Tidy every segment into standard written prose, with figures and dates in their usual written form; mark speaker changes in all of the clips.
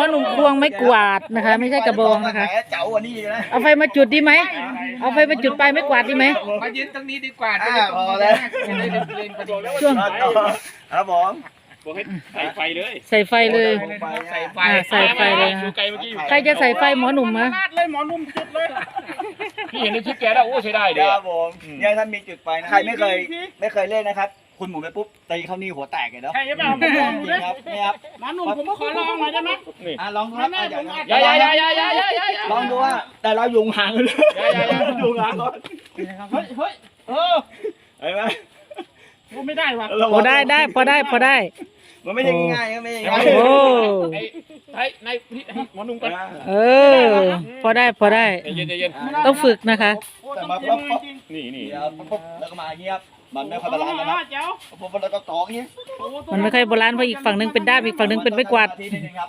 Speaker 1: หนุ่มควงไม้กวาดนะคะ ไม่ใช่กระบองนะคะ
Speaker 2: เจ๋ากว่านี้นะ
Speaker 1: เอาไฟมาจุดดีไหมเอาไฟมาจุดปลายไม้กวาดดีไหม
Speaker 3: มายืนตรงนี้ดีกว่า
Speaker 2: พอแล้ว
Speaker 1: ช่วง
Speaker 2: ครับผม
Speaker 3: บอกให้ใส่ไฟเลย
Speaker 1: ใส่ไฟเลย
Speaker 3: ใส่ไฟ
Speaker 1: ใส่ไฟเลยนะ
Speaker 3: ดูไกลเมื่อกี้อยู่
Speaker 1: ใครจะใส่ไฟหมอหนุ่มมะ
Speaker 3: เลยหมอนุ่มจุดเลยพี่เห็นในคลิปแกแล้วโอ้ใช้ได้เด้
Speaker 2: ครับผมเนี่ยท่านมีจุดไฟนะใครไม่เคยเล่นนะครับคุณหมุนไปปุ๊บตีเข้านี่หัวแตกเลยเนาะ
Speaker 3: ใช่หรือเปล่าผมลอง
Speaker 2: จ
Speaker 3: ดู
Speaker 2: ริ
Speaker 3: นะ
Speaker 2: งครับนี่ครับ
Speaker 3: หมอนุ่มผมขอลองหน่อยได้ไหม
Speaker 2: ลองครับ
Speaker 3: อย่า
Speaker 2: ลองดูว่าแต่เรายุงห่างกันเลยยุงห่างก่อน
Speaker 3: เฮ้ย
Speaker 2: เห็นไหม
Speaker 3: ผมไม่ได้ว่ะ
Speaker 1: พอได้พอได้
Speaker 2: มันไม่ใช่ง่ายๆไม่ใช่ง่าย
Speaker 1: โอ้
Speaker 3: ในหมอนุ่มก่อน
Speaker 1: เออพอได้
Speaker 3: เย็น
Speaker 1: ต้องฝึกนะคะ
Speaker 2: แต่มาปุ๊บ
Speaker 3: นี่
Speaker 2: นี่ครับปุ๊บแล้วก็มาอย่างเงี้ยครับมันไม่ค่อยบาลานซ์นะครับ
Speaker 3: เจ้า
Speaker 2: ปุ๊บแล้วก็กองอย่างเงี้ย
Speaker 1: มันไม่ค่อยโบราณเพราะอีกฝั่งหนึงเป็นด้ามอีกฝั่งหนึงเป็นไม้กวาด
Speaker 2: ทีนึงครับ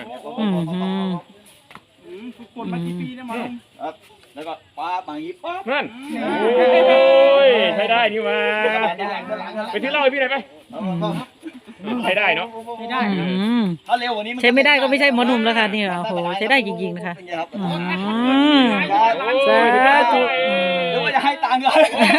Speaker 3: ฝึกฝนมากี่ปีนะหมอนุ่ม
Speaker 2: ครับแล้วก็ป้ามาอย่างงี้ปั๊บ
Speaker 3: นั่นโอ้ยใช้ได้นี่มาไปที่เล่าให้พี่หน่อยไปใช้ได้เนาะ
Speaker 2: ไม่ได้ ถ้าเร็วกว่านี้
Speaker 1: ใช้ไม่ได้ก็ไม่ใช่หมอหนุ่มแล้วค่ะนี่โอ้โหใช้ได้จริงๆนะคะสาธุ
Speaker 2: หรือว่าจะให้ตังค์กัน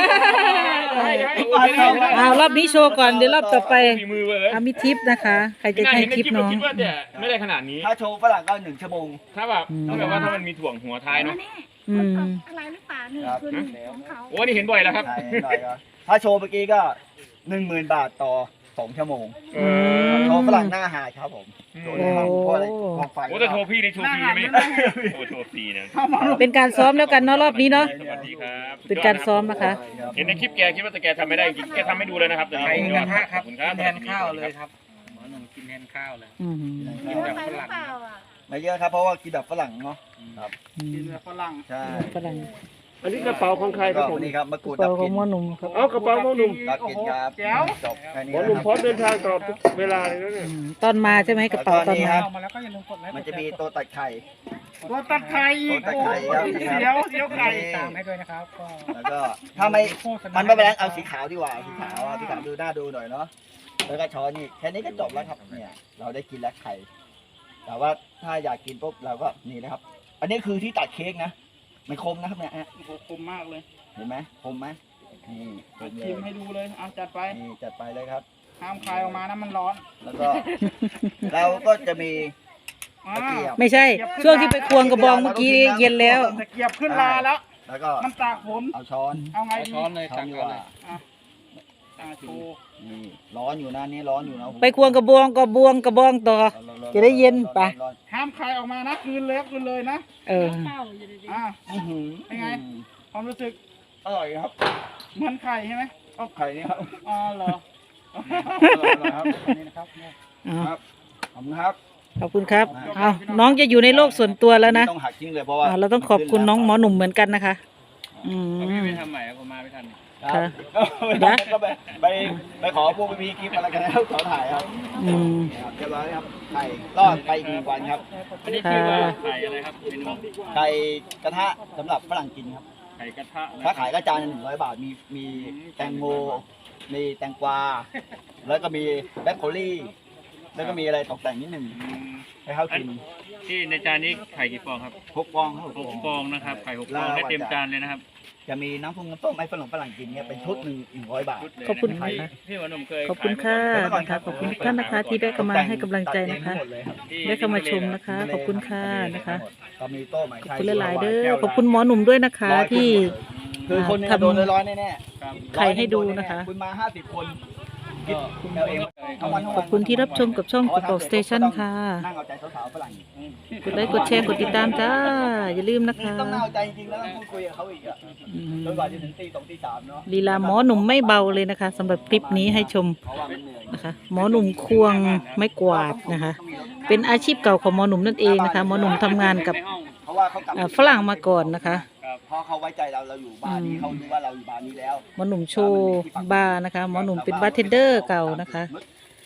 Speaker 1: เอารอบนี้โชว์ก่อนเดี๋ยวรอบต่อไป
Speaker 3: มีมือเลย
Speaker 1: มีทิปนะคะ ใครจะให้ทิปน้อง
Speaker 3: คิดว่าเนี่ยไม่ได้ขนาดนี้
Speaker 2: ถ้าโชว์ฝรั่งก็1 ชั่วโมง
Speaker 3: ถ้าแบบว่าถ้ามันมีถ่วงหัวท้ายเนาะ
Speaker 4: อะไรหรือเปล่านี่คือของเขา
Speaker 3: โอ้นี่เห็นบ่อยแล้วครับ
Speaker 2: ใช่หน่อยครับถ้าโชว์เมื่อกี้ก็ 10,000 บาทต่อ2 ชั่วโมงโชว์ฝรั่งหน้าหาดครับผมโชว์นะครับเพราะอะไรกองไฟ
Speaker 3: โอ้แต่โทรพี่ในโชว์ฟรีไหมโอ้โชว์ฟรีนะ
Speaker 1: เป็นการซ้อมแล้วกันเนาะรอบนี้เนาะ
Speaker 3: สวัสดีครับ
Speaker 1: เป็นการซ้อมนะคะ
Speaker 3: เห็นในคลิปแกคิดว่าแต่แกทำไม่ได้จริงแกทำให้ดูเลยนะครับแต่นี่ยอดขอบคุณครับ
Speaker 5: แทนข้าวเลยครับหมอหนุ่มกินแทนข้าวเลย
Speaker 1: อืม
Speaker 4: เยอะไปหรือเปล่าอ่ะ
Speaker 2: ไม่เยอะครับเพราะว่ากินแบบฝรั่งเนาะครับ
Speaker 3: กินแบบฝรั่ง
Speaker 2: ใช่
Speaker 1: ฝรั่ง
Speaker 3: อันนี้กระเป๋าของใครครับผม
Speaker 2: นี่ครับมะกรูด
Speaker 1: เป่า
Speaker 2: ดับ
Speaker 1: ข
Speaker 2: ก
Speaker 1: อ
Speaker 2: ลิ่
Speaker 1: ง
Speaker 2: น
Speaker 1: หมอหนุ่มครับ
Speaker 3: เอากระเป๋าหมอหนุ่ม
Speaker 2: ดับกลิ่นครับจบแค่นี้
Speaker 3: หมอหนุ่มพร้อมเดินทางตลอดทุกเวลาเลยนะเนี่ย
Speaker 1: ตอนมาใช่ไหมกระเป๋าตอนมา
Speaker 5: มาแล้วก็อย่าลืมกดไลค์
Speaker 2: มันจะมีตัวตัดไข่
Speaker 3: ตัวตัดไข่
Speaker 2: ตัวตัดไข่ครับ
Speaker 3: เสียวไข่
Speaker 5: ตามให้ด้วยนะครับก็
Speaker 2: แล้วก็ถ้าไม่มันไม่เป็นไรเอาสีขาวดีกว่าสีขาวดูหน้าดูหน่อยเนาะแล้วก็ช้อนนี่แค่นี้ก็จบแล้วครับเนี่ยเราได้กินแล้วไข่แต่ว่าถ้าอยากกินปุ๊บเราก็นี่นะครับ อันนี้คือที่ตัดเค้กนะมันคมนะครับเนี่ย
Speaker 3: คมมากเลย
Speaker 2: เห็นไหมคมไหมนี่คมเล
Speaker 3: ชิ
Speaker 2: ย
Speaker 3: มให้ดูเลยเอาจัดไป
Speaker 2: นี่จัดไปเลยครับ
Speaker 3: ห้ามคายออกมานะมันร้อน
Speaker 2: แล้วก็เราก็จะมีตะเกียบ
Speaker 1: ไม่ใช่ ช่วงที่ไปควงกระบองเมื่อกี้เย็นแล้ว
Speaker 3: ตะเกียบขึ้นลาแล้ว
Speaker 2: แล้วก็
Speaker 3: มันตากฝน
Speaker 2: เอาช้อน
Speaker 3: เอาไงดี
Speaker 5: ช้อนเลย
Speaker 2: ช้อ
Speaker 5: ตั
Speaker 2: น
Speaker 5: ก
Speaker 2: ดี
Speaker 5: ก่
Speaker 2: ก
Speaker 5: อน
Speaker 2: ว่า
Speaker 5: เลย
Speaker 3: ตาโชว์
Speaker 2: นี่ร้อนอยู่นะนี่ร้อนอยู่นะ
Speaker 1: ไปควงกระบองกระบองต่อ จะได้เย็นไป
Speaker 3: ห้ามคายออกมานะคืนเลยนะ
Speaker 1: เออ
Speaker 4: เข้าอยู่ดี
Speaker 3: อ่า
Speaker 2: อื้อหือ
Speaker 3: เป็นไง ความรู้สึก
Speaker 2: อร่อยครับ
Speaker 3: เหมือนไข่ใช่ไหม
Speaker 2: ก็ไข่นี่ครับ
Speaker 3: อ๋อเหรอ
Speaker 2: อร่อยครับนี่นะครับ
Speaker 1: เอา
Speaker 2: ขอบคุณครับ
Speaker 1: ขอบคุณครับเอาน้องจะอยู่ในโลกส่วนตัวแล้วนะ
Speaker 2: ต้องหักทิ้งเลยเพราะว่า
Speaker 1: เราต้องขอบคุณน้องหมอหนุ่มเหมือนกันนะคะ อืม
Speaker 5: พี่ไปทำใหม่ผมมาไม่ทัน
Speaker 2: ครับ
Speaker 1: ค่ะ
Speaker 2: ก็ไปขอพวกพี่คลิปอะไรกันแล้วขอถ่ายครับ
Speaker 1: อืม
Speaker 2: เรียบร้อยครับไข่รอดไปอีก1 วันครับ
Speaker 5: อันนี้ชื่อว่าไข่อะไรครับเมนู
Speaker 2: ไข่กระทะสำหรับฝรั่งกินครับ
Speaker 5: ไข่กระทะ
Speaker 2: ถ้าขายก็จานละ100 บาทมีแตงโมมีแตงกวาแล้วก็มีแบล็คโคลี่แล้วก็มีอะไรตกแต่งนิดหนึ่งให้เขากิน
Speaker 5: ที่ในจานนี้ไข่กี่ฟองครับ
Speaker 2: 6 ฟองครับ
Speaker 5: 6 ฟองนะครับไข่6 ฟองได้เต็มจานเลยนะครับ
Speaker 2: จะมีน้ำต้มให้ฝรั่งกินเนี่ยเป็นชุดหนึ่ง100 บาท
Speaker 1: ขอบคุณค่ะ
Speaker 5: พี่หมอหนุ่มเคย
Speaker 1: ขอบคุณค่ะนะคะขอบคุณทุกท่านนะคะ ที่ได้เข้ามาให้กำลังใจนะคะ ได้เข้ามาชมนะคะ ขอบคุณค่ะนะคะ
Speaker 2: ก็มีโต๊ะหมาย
Speaker 1: ขอบคุณหลายๆเด้อขอบคุณหมอหนุ่มด้วยนะคะที่
Speaker 2: คือคนนึงโดนร้อยแน่
Speaker 1: ไข่ให้ดูนะคะ
Speaker 2: คุณมา50 คนคิดเอาเองทั้งวันทั้ง
Speaker 1: ข
Speaker 2: วั
Speaker 1: อน บคุณที่รับชมกับช่องกระเป๋าสเตชันค่ะ
Speaker 2: นั่งเอาใจสาวๆฝรั่ง
Speaker 1: กดไลค์กดแชร์กดติดตามจ้า อย่าลืมนะคะ
Speaker 2: ต้องนั่งเอาใจจริงๆแล้วต้องพูดคุยกับเขาอีกอ่ะ
Speaker 1: อืม
Speaker 2: จนกว่าจะถึงตี 2 ตี 3เนาะ
Speaker 1: ลีลาหมอหนุ่มไม่เบาเลยนะคะสำหรับคลิปนี้ให้ชม
Speaker 2: เพราะว่ามันเหนื่อย
Speaker 1: นะคะ หมอหนุ่มควงไม้กวาดนะคะ เป็นอาชีพเก่าของหมอหนุ่มนั่นเองนะคะ หมอหนุ่มทำงานกับ
Speaker 2: เพราะว่าเขากลับ
Speaker 1: ฝรั่งมาก่อนนะคะ
Speaker 2: เพราะเขาไว้ใจเราอยู่บ้านนี้เขารู้ว่าเราอยู่บ้านนี้แล้ว
Speaker 1: หมอหนุ่มโชว์บาร์นะคะ หมอหนุ่มเป็นบาร์เทนเดอร์เก่านะคะ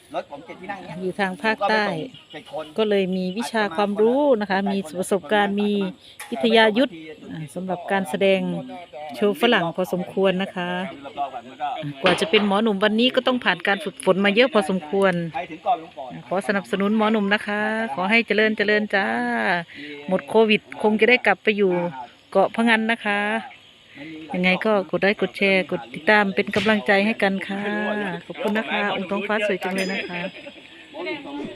Speaker 2: รถผม7ที่นั่งเนี้ย
Speaker 1: อยู่ทางภาคใต้
Speaker 2: 7 คน
Speaker 1: ก็เลยมีวิชาความรู้นะคะ มีประสบการณ์มีวิทยายุทธ์สำหรับการแสดงโชว์ฝรั่งพอสมควรนะคะ กว่าจะเป็นหมอหนุ่มวันนี้ก็ต้องผ่านการฝึกฝนมาเยอะพอสมควร
Speaker 2: ใครถึงก่อนลุงก่อน
Speaker 1: ขอสนับสนุนหมอหนุ่มนะคะ ขอให้เจริญเจริญจ้า หมดโควิดคงจะได้กลับไปอยู่เกาะพะงันนะคะ ยังไงก็กดไลค์กดแชร์กดติดตามเป็นกำลังใจให้กันค่ะ ขอบคุณนะคะองค์ท้องฟ้าสวยจังเลยนะคะ